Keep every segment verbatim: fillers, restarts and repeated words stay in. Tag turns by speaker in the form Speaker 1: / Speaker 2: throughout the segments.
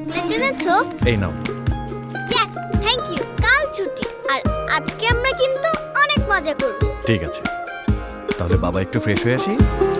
Speaker 1: Chocolate এনেছো?
Speaker 2: এই নাও।
Speaker 1: Yes, thank you. কাল ছুটি, আর আজকে আমরা কিন্তু অনেক মজা করব।
Speaker 2: ঠিক আছে, তাহলে বাবা একটু ফ্রেশ হয়ে আসি।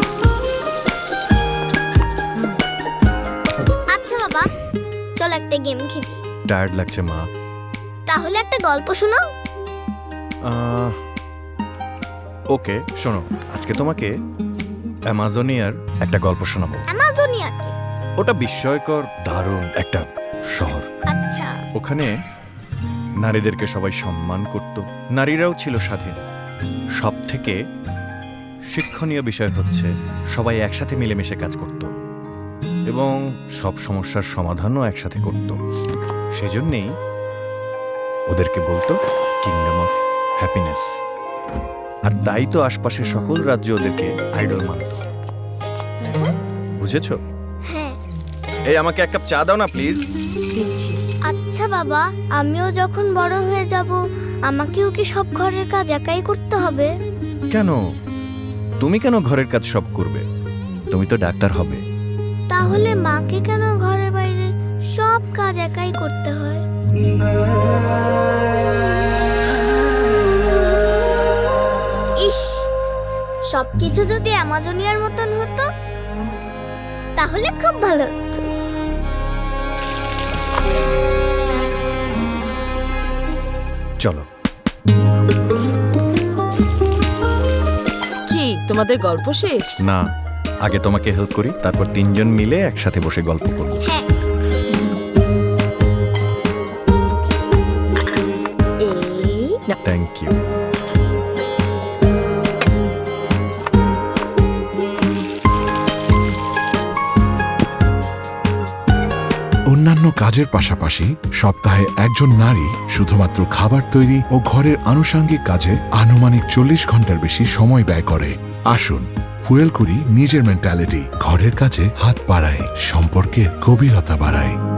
Speaker 1: আচ্ছা বাবা, চল একটা গেম খেলি।
Speaker 2: টায়ার্ড লাগছে মা।
Speaker 1: তাহলে একটা গল্প শোনাও।
Speaker 2: আহ, ওকে, শোনো, আজকে তোমাকে অ্যামাজনিয়ার একটা গল্প শোনাবো।
Speaker 1: অ্যামাজনিয়া কি?
Speaker 2: ওটা বিস্ময়কর দারুণ একটা শহর।
Speaker 1: আচ্ছা।
Speaker 2: ওখানে নারীদেরকে সবাই সম্মান করত, নারীরাও ছিল স্বাধীন। সব থেকে শিক্ষণীয় বিষয় হচ্ছে সবাই একসাথে মিলেমিশে কাজ করত এবং সব সমস্যার সমাধানও একসাথে করত। সেজন্যেই ওদেরকে বলতো কিংডম অফ হ্যাপিনেস। আর তাই তো আশপাশের সকল রাজ্য ওদেরকে আইডল মানত। বুঝেছো?
Speaker 1: হ্যাঁ।
Speaker 2: এই আমাকে এক কাপ চা দাও না প্লিজ।
Speaker 3: দিচ্ছি।
Speaker 1: আচ্ছা বাবা, আমিও যখন বড় হয়ে যাব আমাকেও কি সব ঘরের কাজ একাই করতে হবে?
Speaker 2: কেন? তুমি কেন ঘরের কাজ সব করবে? তুমি তো ডাক্তার হবে।
Speaker 1: তাহলে মাকে কেন ঘরে বাইরে সব কাজ একাই করতে হয়? ইস, সবকিছু যদি অ্যামাজনিয়ার মতন হতো তাহলে খুব ভালো হতো।
Speaker 2: চলো।
Speaker 3: কি তোমাদের গল্প শেষ?
Speaker 2: না, আগে তোমাকে হেল্প করি, তারপর তিনজন মিলে একসাথে বসে গল্প করব।
Speaker 1: হ্যাঁ।
Speaker 3: এই না,
Speaker 2: থ্যাংক ইউ।
Speaker 4: অন্যান্য কাজের পাশাপাশি সপ্তাহে একজন নারী শুধুমাত্র খাবার তৈরি ও ঘরের আনুষঙ্গিক কাজে আনুমানিক চল্লিশ ঘন্টার বেশি সময় ব্যয় করে। আসুন ফুয়েল করি নিজের মেন্টালিটি, ঘরের কাজে হাত বাড়ায়, সম্পর্কের গভীরতা বাড়ায়।